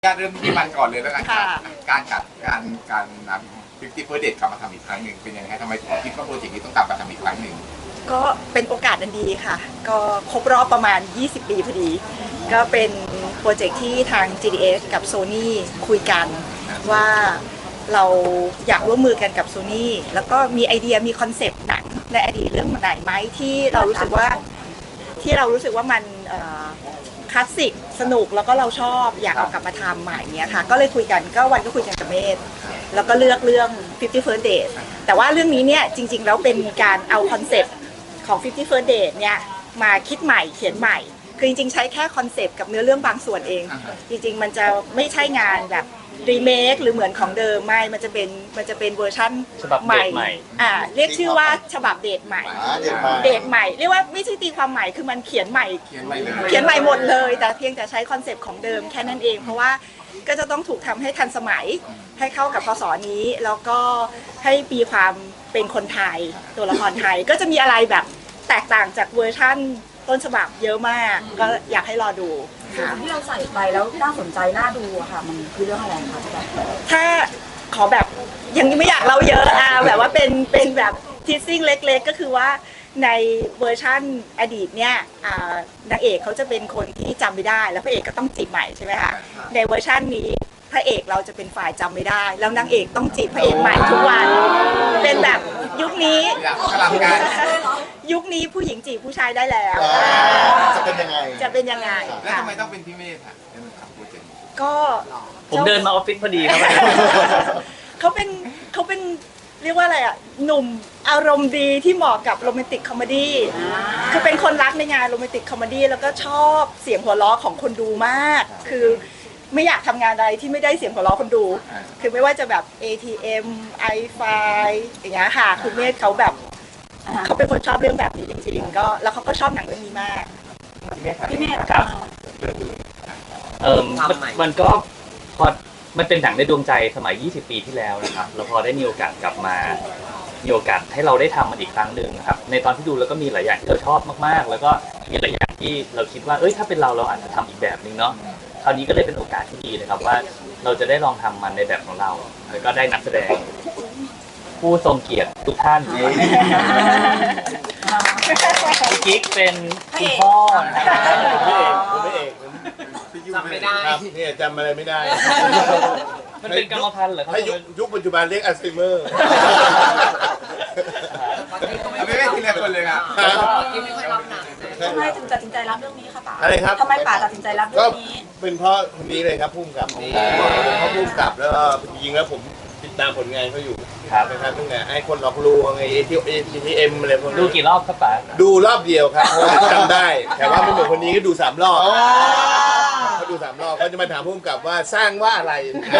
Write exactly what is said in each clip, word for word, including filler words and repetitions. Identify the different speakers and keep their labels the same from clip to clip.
Speaker 1: การเริ่มที่มันก่อนเลยแล้วกันครับการกัดการการนำฟิฟตี้เฟิร์สเดทกลับมาทำอีกครั้งหนึ่งเป็นยังไงทำไมถึงคิดว่าโปรเจกต์นี้ต้องกลับมาทำอีกครั้งหนึ่ง
Speaker 2: ก็เป็นโอกาสอันดีค่ะก็ครบรอบประมาณยี่สิบปีพอดีก็เป็นโปรเจกต์ที่ทาง จี ดี เอส กับ Sony คุยกันว่าเราอยากร่วมมือกันกับ Sony แล้วก็มีไอเดียมีคอนเซปต์หนังในอดีตเรื่องไหนไหมที่เรารู้สึกว่าที่เรารู้สึกว่ามันคลาสสิกสนุกแล้วก็เราชอบอยากเอากลับมาทำใหม่เนี้ยค่ะก็เลยคุยกันก็วันก็คุยกันกับเมธแล้วก็เลือกเรื่อง ฟิฟตี้ First Date แต่ว่าเรื่องนี้เนี่ยจริงๆแล้วเป็นการเอาคอนเซปต์ของ ฟิฟตี้ First Date เนี่ยมาคิดใหม่เขียนใหม่คือจริงๆใช้แค่คอนเซปต์กับเนื้อเรื่องบางส่วนเองจริงๆมันจะไม่ใช่งานแบบรีเมคหรือเหมือนของเดิมไม่มันจะเป็นมันจะเป็นเวอร์ชั่นใหม่อ่าเรียกชื่อว่าฉบับเดทใหม่เดทใหม่เรียกว่าไม่ใช่ตีความใหม่คือมันเขียนใหม่เขียนใหม่เลยเขียนใหม่หมดเลยแต่เพียงแต่ใช้คอนเซปต์ของเดิมแค่นั้นเองเพราะว่าก็จะต้องถูกทำให้ทันสมัยให้เข้ากับพศนี้แล้วก็ให้มีความเป็นคนไทยตัวละครไทยก็จะมีอะไรแบบแตกต่างจากเวอร์ชั่นต้นฉบับเยอะมากก็อยากให้รอดู
Speaker 3: ที่เราใส่ไปแล้วน่าสนใจน่าดูอะค่ะมันคือเรื่องอะไรคะพี่แบ๊
Speaker 2: ถ้าขอแบบยังไม่อยากเล่าเยอะอ่ะแบบว่าเป็นเป็นแบบทีซิ่งเล็กๆก็คือว่าในเวอร์ชั่นอดีตเนี่ยนางเอกเขาจะเป็นคนที่จำไม่ได้แล้วพระเอกก็ต้องจีบใหม่ใช่ไหมคะในเวอร์ชันนี้พระเอกเราจะเป็นฝ่ายจำไม่ได้แล้วนางเอกต้องจีบพระเอกใหม่ทุกวันเป็นแบบยุคนี้ยุคนี้ผู้หญิงจีบผู้ชายได้แล้ว
Speaker 4: จะเป็นยังไง
Speaker 2: จะเป็นยังไง
Speaker 1: แล้วทำไมต้องเป็นพี่เมธอ่ะ
Speaker 2: ก็
Speaker 5: ผมเดินมาออฟฟิศพอดีครับ
Speaker 2: เขาเป็นเขาเป็นเรียกว่าอะไรอ่ะหนุ่มอารมณ์ดีที่เหมาะกับโรแมนติกคอมเมดี้คือเป็นคนรักในงานโรแมนติกคอมเมดี้แล้วก็ชอบเสียงหัวเราะของคนดูมากคือไม่อยากทำงานใดที่ไม่ได้เสียงหัวเราะคนดูคือไม่ว่าจะแบบ เอ ที เอ็ม ไอ ไฟ อย่างเงี้ยค่ะคุณเมธเขาแบบเขาเป็นคนชอบเรื่องแบบนี้จริงๆก็แล้วเขาก็ชอบหนังเรื่องนี้มาก
Speaker 3: พี่เมธ
Speaker 5: ครับเออมันก็พอมันเป็นหนังในดวงใจสมัยยี่สิบปีที่แล้วนะครับแล้วพอได้มีโอกาสกลับมามีโอกาสให้เราได้ทำมันอีกครั้งหนึ่งนะครับในตอนที่ดูแล้วก็มีหลายอย่างที่เราชอบมากๆแล้วก็มีหลายอย่างที่เราคิดว่าเอ้ยถ้าเป็นเราเราอาจจะทำอีกแบบนึงเนาะคราวนี้ก็เลยเป็นโอกาสที่ดีนะครับว่าเราจะได้ลองทำมันในแบบของเราแล้วก็ได้นักแสดงผู้ทรงเกียรติทุกท่านพี่กิ๊กเป็นคุณพ่อนะครับ
Speaker 4: พระเอก
Speaker 1: จำไม่ได้
Speaker 4: เนี่ยจำอะไรไม่ได้
Speaker 5: มันเป็นกรรมพันธุ์เหรอครับ
Speaker 4: ยุคปัจจุบันเรียกอัลไซเมอร์
Speaker 1: ไม่ไม่ทีละคนเลยครับ
Speaker 3: ทำไมถึงตัดสินใจรับเรื่องนี้คะป๋า
Speaker 4: อะไรครับ
Speaker 3: ทำไมป๋าตัดสินใจรับเรื่องนี้
Speaker 4: เป็นเพราะคนนี้เลยครับพุ่มกับเขาพุ่มกับแล้วจริงๆแล้วผมติดตามผลงานเขาอยู่
Speaker 5: ครับ
Speaker 4: นะครับตั้งแต่ไอ้คนหลอกลวงไอ้เอทีเอทีเอ็มอะไรพวกนี้
Speaker 5: ดูกี่รอบครับป๋า
Speaker 4: ดูรอบเดียวครับจำได้แต่ว่าไม่เหมือนคนนี้ก็ดูสามรอบเขาดูสามรอบเขาจะมาถามพุ่มกับว่าสร้างว่าอะไร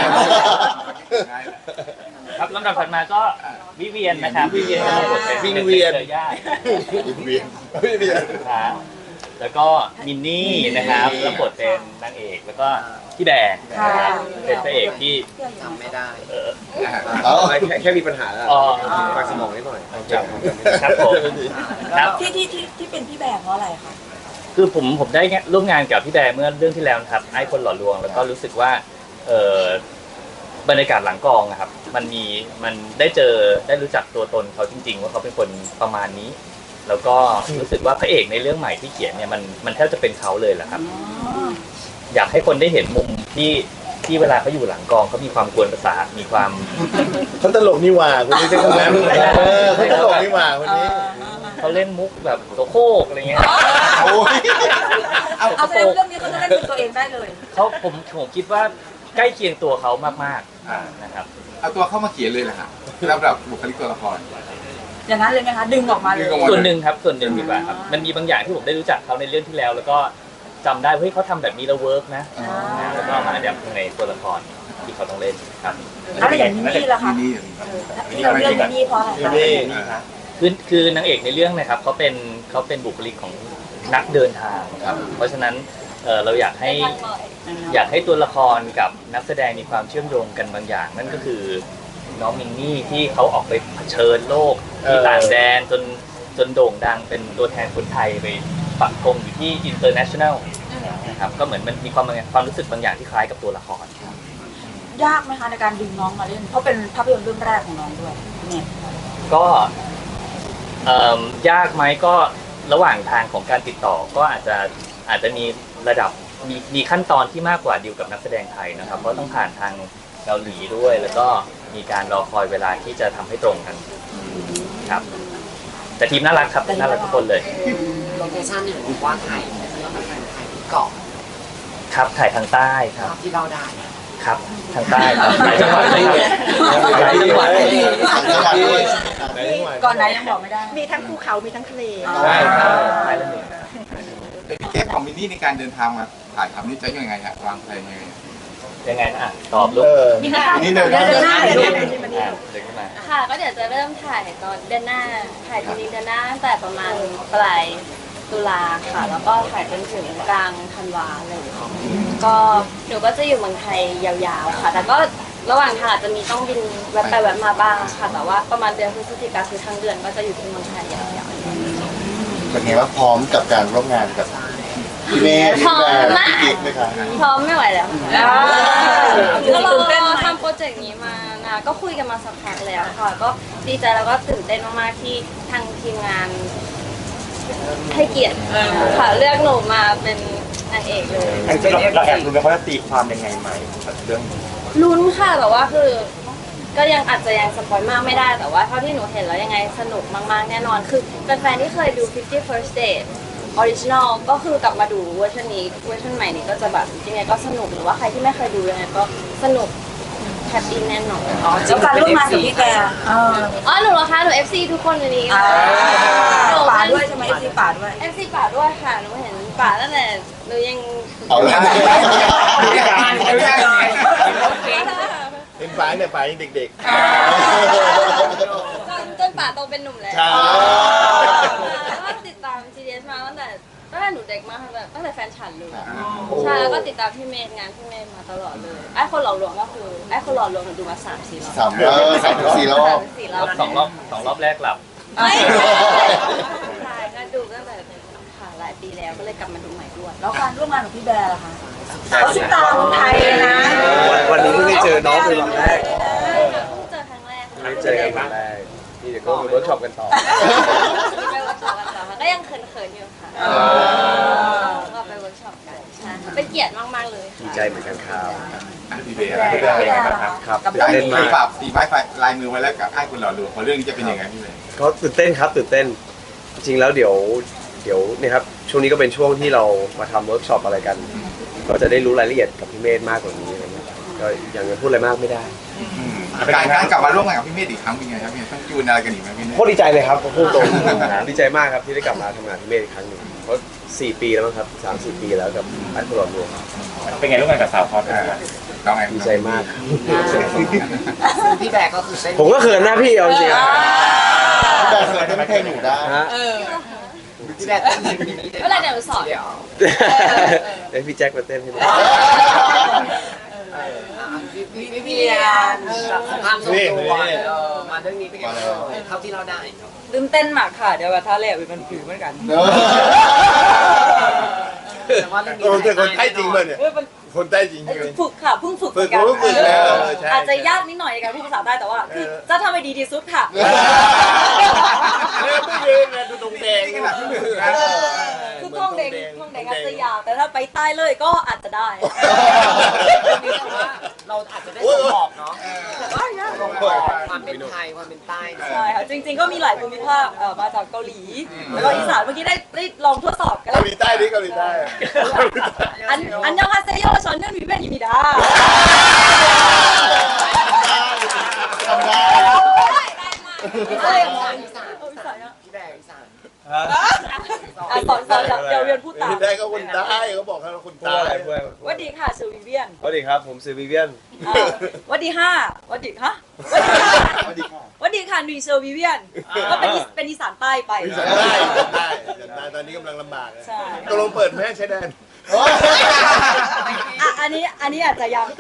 Speaker 5: ครับลำดับถัดมาก็วิเวียนนะครับวิเวียนก็บทเป็น
Speaker 4: วิเวียน
Speaker 5: วิเวียนวิเวียนครับแล้วก็มินนี่นะครับแล้วบทเป็นนางเอกแล้วก็พี่แดงนะครับเป็นพระเอกที่
Speaker 1: จำไม่ได้
Speaker 5: เออ
Speaker 4: แค่แค่มีปัญหาแล้วปากสมองนิดหน่อยจำ
Speaker 5: ครับผมครับ
Speaker 3: ที่ที่ที่ที่เป็นพี่แบงเพราะอะไรคะ
Speaker 5: คือผมผมได้ร่วมงานกับพี่แดงเมื่อเรื่องที่แล้วครับไอ้คนหล่อลวงแล้วก็รู้สึกว่าเออบรรยากาศหลังกองนะครับมันมีมันได้เจอได้รู้จักตัวตนเขาจริงๆว่าเขาเป็นคนประมาณนี้แล้วก็รู้สึกว่าพระเอกในเรื่องใหม่ที่เขียนเนี่ยมันมันแทบจะเป็นเขาเลยแหละครับอยากให้คนได้เห็นมุมที่ที่เวลาเขาอยู่หลังกองเขามีความกวนประสาทมีความ
Speaker 4: เขาตลกนี่หว่าคนนี้ใช่คนนั้นเขาตลกนี่หว่าคนนี้
Speaker 5: เขาเล่นมุกแบบโสโครกอะไรเงี้ย
Speaker 3: เอาเอาเรื่องนี้เขาจะเล่นเป็นตัวเองได้เลย
Speaker 5: เขาผมผมคิดว่าใกล้เคียงตัวเขามากๆนะครับ
Speaker 1: เอาตัวเข้ามาเขียนเลยแหละครับแล้วแบบบุคลิกตัวละคร
Speaker 3: อย่างนั้นเลยไหมคะดึงออกมาเลย
Speaker 5: ส่วนหนึ่งครับส่วนหนึ่งดีกว่าครับมันมีบางอย่างที่ผมได้รู้จักเขาในเรื่องที่แล้วแล้วก็จำได้เฮ้ยเขาทำแบบนี้แล้วเวิร์กนะแล้วก็มาแบบในตัวละครที่เขาต้องเล่นครับ
Speaker 3: อะไรอย่างนี้ล่ะคะที่เราเลือกนี้เพราะอะไร
Speaker 5: คือคือนางเอกในเรื่องนะครับเขาเป็นเขาเป็นบุคลิกของนักเดินทางครับเพราะฉะนั้นเราอยากให้อยากให้ตัวละครกับนักแสดงมีความเชื่อมโยงกันบางอย่างนั่นก็คือน้องมินนี่ที่เขาออกไปเผชิญโลกที่ต่างแดนจนจนโด่งดังเป็นตัวแทนคนไทยไปปักธงอยู่ที่ international นะครับก็เหมือนมันมีความความรู้สึกบางอย่างที่คล้ายกับตัวละคร
Speaker 3: ยากไหมคะในการดึงน้องมาเล่นเพราะเป็นภาพยนตร์เรื่องแรกของน้องด้วยเนี่ย
Speaker 5: ก็เอ่อยากไหมก็ระหว่างทางของการติดต่อก็อาจจะอาจจะมีระดับมีมีขั้นตอนที่มากกว่าดีลกับนักแสดงไทยนะครับเพราะต้องผ่านทางเกาหลีด้วย แล้วก็มีการรอคอยเวลาที่จะทำให้ตรงกันครับแต่ทีมน่ารักครับน่ารักทุกคนเลย
Speaker 6: โลเคชั่นเห็นบอกว่าถ่ายเราไปถ่ายถ่ายที่เกาะ
Speaker 5: ครับถ่ายทางใต้ครับ
Speaker 6: ภาพที่เราได้
Speaker 5: ครับทางใต้ครับหลายจังหวัดเลยหลายจังหวัดเลย
Speaker 3: ก่อนไหนยังบอกไม่ได้
Speaker 2: มีทั้งภูเขามีทั้งทะเล
Speaker 5: ใช่ครับใช่แล้วหนึ่ง
Speaker 1: เป็นแก้ของมินนี่ในการเดินทางมาถ่ายทำนี่จะยังไงฮะวางแผนยังไง
Speaker 5: ยังไงนะอ่ะตอบลูก
Speaker 2: มีหน้า
Speaker 1: มินนี่เดิน
Speaker 2: เดินหน้าเดินหน้า
Speaker 5: อ่ะเดินขึ้นมา
Speaker 7: ค่ะก็เดี๋ยวจะเริ่มถ่ายตอนเดือนหน้าถ่ายจริงๆเดือนหน้าตั้งแต่ประมาณปลายตุลาค่ะ แล้วก็ถ่ายจนถึงกลางธันวาเลยก็หนูก็จะอยู่เมืองไทยยาวๆค่ะ แต่ก็ระหว่างทางอาจจะมีต้องบินแวะไปแวะมาบ้างค่ะ แต่ว่าประมาณเดือนพฤศจิกาคือทั้งเดือนก็จะอยู่ที่เมืองไทยยาวๆ
Speaker 8: เป็นไงว่าพร้อมกับการร่วมงานกับพี่เมย์พี่แบร์พี่กิ๊กไหมคะ
Speaker 7: พร้อมไม่ไหวแล้วค่ะก็เรา
Speaker 3: ตื่นเต้นไหม
Speaker 7: ทำโปรเจกต์นี้มานะก็คุยกันมาสักพักแล้วค่ะ ก็ดีใจแล้วก็ตื่นเต้นมากๆที่ทางทีมงานให้เกียรติค่ะเลือกหนูมาเป็นนางเอกเลย
Speaker 9: เราแอบรู้ไหมเขาจะตีความยังไงใหม่กับเรื่องนี้
Speaker 7: ลุ้นค่ะแต่ว่าคือ ก็ยังอาจจะยังสปอยมากไม่ได้แต่ว่าเท่าที่หนูเห็นแล้วยังไงสนุกมากๆแน่นอนคือแฟนๆที่เคยดู fifty first date ออริจินอลก็คือกลับมาดูเวอร์ชันนี้เวอร์ชันใหม่นี้ก็จะแบบยังไงก็สนุกหรือว่าใครที่ไม่เคยดูยังไงก็สนุกแฮปปี้แน่นอน
Speaker 3: อ๋อแล้วการร่วมงานกับพี่แกเออ
Speaker 7: อ๋อหนูเหรอคะหนู เอฟ ซี ทุกคนในนี้ค่ะหนู
Speaker 3: ป่า
Speaker 7: เป็น
Speaker 3: ด้วยใช่ไหมซีป่าด้วย
Speaker 7: เอฟ ซี ป่าด้วยค่ะหนูเห็นป่าตั้งแต่หนูยัง
Speaker 8: เอาละ
Speaker 4: เป็นฝ่ายเนี่ยฝ่ายยังเด็ก
Speaker 7: จนจนป่าโตเป็นหนุ่มแล้ว
Speaker 4: ใช่
Speaker 7: แล้วก็ติดตาม จี ดี เอส มาตั้งแต่ตั้งแต่หนูเด็กมากตั้งแต่ตั้งแต่แฟนฉันเลยใช่แล้วก็ติดตามพี่เมย์งานพี่เมย์มาตลอดเลยไอ้คนหล่อลวงก็คือไอ้คนหล่อลวงหนูดูมาสามสี่รอบ
Speaker 8: สามเออสามสี่รอบ
Speaker 7: สามสี่รอบ
Speaker 5: สองรอบสองรอบแรกหลับ
Speaker 7: ไม่ใช่ก็ดูตั้งแต่ค่ะหลายปีแล้วก็เลยกลับมาดูใหม่ด้วย
Speaker 3: แล้วการร่วมงานกับพี่แบร์ล่ะคะเขาซุปตาคนไทยเลยนะ
Speaker 9: วันนี้เพิ่งได้เจอน้องเป็นวันแรก
Speaker 7: เพิ่งเจอครั้งแรก
Speaker 9: ไม่เจอกันวันแรกนี่เดี๋ยวก็มีเวิร์กช็อปกันต่อ
Speaker 7: ไปเวิร์กช็อปกันต่อค่ะก็ยังเขินๆอยู่ค่ะก็ไปเวิร์กช็อปกันใช่เป็นเกียรติมากๆเลย
Speaker 9: ดีใจเหมือนกันครับ
Speaker 1: พี่เบย์
Speaker 3: พี่แบร์พี่แบร์ล่ะคะ
Speaker 9: ครับ
Speaker 3: กับ
Speaker 1: ได้
Speaker 3: เรื่อง
Speaker 1: มี
Speaker 3: นี้
Speaker 1: ฝากตีไม้ลายมือไว้แล้วกับไอ้คุณหล่อหลวงพอเรื่องนี้จะเป็นยังไงพี่เบย์
Speaker 9: ก็ตื่นเต้นครับตื่นเต้นจริงๆแล้วเดี๋ยวเดี๋ยวเนี่ยครับช่วงนี้ก็เป็นช่วงที่เรามาทำเวิร์กช็อปอะไรกัน ก็จะได้รู้รายละเอียดกับพี่เมธมากกว่านี้อะไรเงี้ยก็ยังจะพูดอะไรมากไม่ได้
Speaker 1: การการกลับมาร่วมงานกับพี่เมธอีกครั้งเป็นไงครับพี่ต้องจูนอะไรกันอีกไหมพี่เมธ
Speaker 9: โคตรดีใจเลยครับพูดตรงดีใจมากครับที่ได้กลับมาทำงานพี่เมธอีกครั้งหนึ่งเพราะสี่ปีแล้วมั้งครับสามสี่ปีแล้วกับไอ้คนหลอดรวม
Speaker 1: เป็นไงร่วมงานกับสาวพอดน้องไง
Speaker 9: ดีใจมาก
Speaker 6: พี่แบร์ก็คือเส้น
Speaker 9: ผมก็เขินหน้าพี่เอาจริงๆอะ
Speaker 8: พี่แบร์เคยเต้นเพลงหนูได้
Speaker 9: ฮะ
Speaker 6: พี่แบร์เต้นเพลงนี้
Speaker 7: เวลาเดี๋ยวหนูสอน
Speaker 6: เดี๋ยว
Speaker 9: เดี๋ยวพี่แจ็คมาเต้นให้ดู
Speaker 6: พี่พี่พี่เรียนความทรงตัวเออมาเรื่องนี้เป็นไงบ้างเท่าที่เราได้
Speaker 3: ตื่นเต้นมากค่ะเดี๋ยวว่าท่าแรกมันผิวเหมือนกัน
Speaker 8: เนอะ
Speaker 6: แต่ว่าเรื่องนี้
Speaker 4: โอ้แต่คนใต้จริงเลยเนี่ย
Speaker 3: เออมัน
Speaker 4: คนใต้จริงใช่ไหม
Speaker 3: ฝึกค่ะเพิ่งฝึกเห
Speaker 4: ฝึ
Speaker 3: มื
Speaker 4: ก
Speaker 3: อนกัน
Speaker 4: รู้ฝึกแล้วเออใช่
Speaker 3: อาจจะยากนิดหน่อยในการพูดภาษาใต้แต่ว่าคือจะทำให้ดีที่สุดค่ะ
Speaker 4: เออไม่ยืนนะดูตรงแดง
Speaker 1: นี่ขนาดพี่เมธนะ
Speaker 3: คือท่องเด็กท่องเด็กอาจจะยาวแต่ถ้าไปใต้เลยก็อาจจะได้
Speaker 6: มีแต่ว่าเราอาจจะได้ส่งบอกเนาะ
Speaker 3: แต่ว่ายาก
Speaker 6: ส่งบอกความเป็นไทยความเป็นใต้
Speaker 3: ใช่ค่ะจริง ๆ ก็มีหลายภูมิภาคเอ่อมาจากเกาหลี แล้วก็อีสานเมื่อกี้ได้ได้ลองทดสอบกัน
Speaker 4: เกาหลีใต้ดิเกาหลีใต้
Speaker 3: อันอันยองฮาเซโยชอนเนื่องมีเป็นอยู่ดา
Speaker 8: ทำได้
Speaker 3: เอ้ย
Speaker 6: อีสาน
Speaker 3: เอาอีสานอะ
Speaker 6: พี่แบร์อีสาน
Speaker 3: อ่ะสอนสอนเดี๋ยวเรียนพูดตาม
Speaker 4: ได้ก็คนใต้เขาบอกให้เราคนใต้
Speaker 3: สวัสดีค่ะชื่อวิเวียน
Speaker 9: สวัสดีครับผมซื้อวิเวียน
Speaker 3: อ่าสวัสดีค่ะสวัสดีฮะสวัสดีค่ะสวัสดีค่ะนุยเซอร์วิเวียนก็เป็นอีเป็นอีสานใต้ไป
Speaker 4: อีสานใต้อีสานใต้อีสานใต้ตอนนี้กำลังลำบากเลย
Speaker 3: ใช่
Speaker 4: ตกลงเปิดแม่ใช้แดน
Speaker 3: อ่ะอันนี้อันนี้อาจจะยัง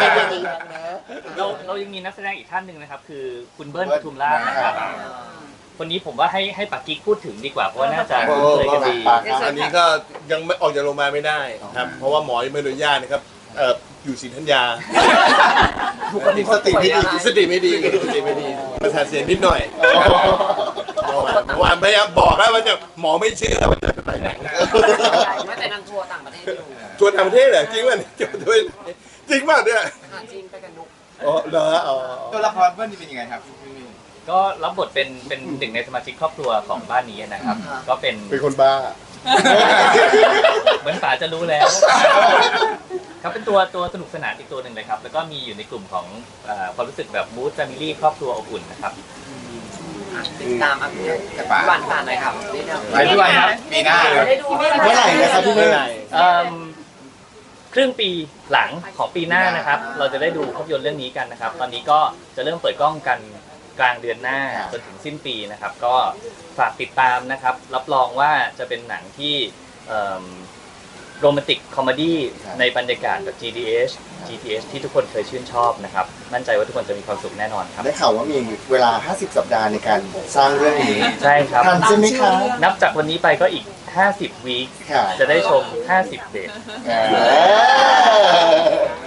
Speaker 5: เราเรายังมีนักแสดงอีกท่านหนึ่งนะครับ คือคุณเบิ้ลปทุมราชนะครับคนนี้ผมว่าให้ให้ปักกิ๊กพูดถึงดีกว่าเพราะว่าน่าจะ
Speaker 4: โอ้
Speaker 5: เคยกันดี
Speaker 4: อันนี้ก็ยังไม่ออกจากโรงพยาบาลไม่ได้ครับเพราะว่าหมอยังไม่อนุญาตนะครับเอ่ออยู่ศรีธัญญา
Speaker 8: สติไม่ดี
Speaker 4: สติไม่ดีสติไม่ดีประสาทเสียนิดหน่อยเมื่อวานเมื่อวานพยายามบอกแล้วว่าจะหมอไม่เชื่อว่าจะไปไหน
Speaker 6: ไม่แต่นางทัวร์ต่างประเทศอยู่
Speaker 4: ชวนต่างประเทศเหรอจริงป่ะเนี่ยด้วยจริงป่ะเนี่ย
Speaker 6: หาจีนไปกันนุก
Speaker 4: อ๋อเหรออ๋อ
Speaker 1: ตัวละครเพื่อนนี่เป็นยังไงครับพี่เมย์
Speaker 5: ก็รับบทเป็นเป็นหนึ่งในสมาชิกครอบครัวของบ้านนี้นะครับ ก็เป็น
Speaker 4: เป็นคนบ้า
Speaker 5: เหมือนป๋าจะรู้แล้วครับเป็นตัวตัวสนุกสนานอีกตัวหนึ่งเลยครับแล้วก็มีอยู่ในกลุ่มของเอ่อความรู้สึกแบบมูดแฟมิลี่ครอบครัวอบอุ่นนะครับ
Speaker 6: ติดตามอัพเดต
Speaker 1: แต่ป๋า
Speaker 6: วันผ่านหน่อยครับนี่เดียว
Speaker 1: ไปด้วยครับปีหน้าครับ
Speaker 6: ได้ดู
Speaker 8: เมื่อไหร่นะครับพี่เมย์
Speaker 5: เอิ่มครึ่งปีหลังของปีหน้านะครับ เราจะได้ดูภาพยนตร์เรื่องนี้กันนะครับ ตอนนี้ก็จะเริ่มเปิดกล้องกันกลางเดือนหน้าจนถึงสิ้นปีนะครับ ก็ฝากติดตามนะครับ รับรองว่าจะเป็นหนังที่โรแมนติกคอมเมดี้ในบรรยากาศแบบ จี ดี เอช จี ที เอช ที่ทุกคนเคยชื่นชอบนะครับ มั่นใจว่าทุกคนจะมีความสุขแน่นอนครับ
Speaker 8: ได้ข่าวว่ามีเวลา ห้าสิบ สัปดาห์ในการสร้างเรื่องนี้
Speaker 5: ใช่ครับ
Speaker 8: ทันใช่ไหมคะ
Speaker 5: นับจากวันนี้ไปก็อีก ห้าสิบ วีค
Speaker 8: ค่ะ
Speaker 5: จะได้ชม ห้าสิบ เดท
Speaker 8: เออ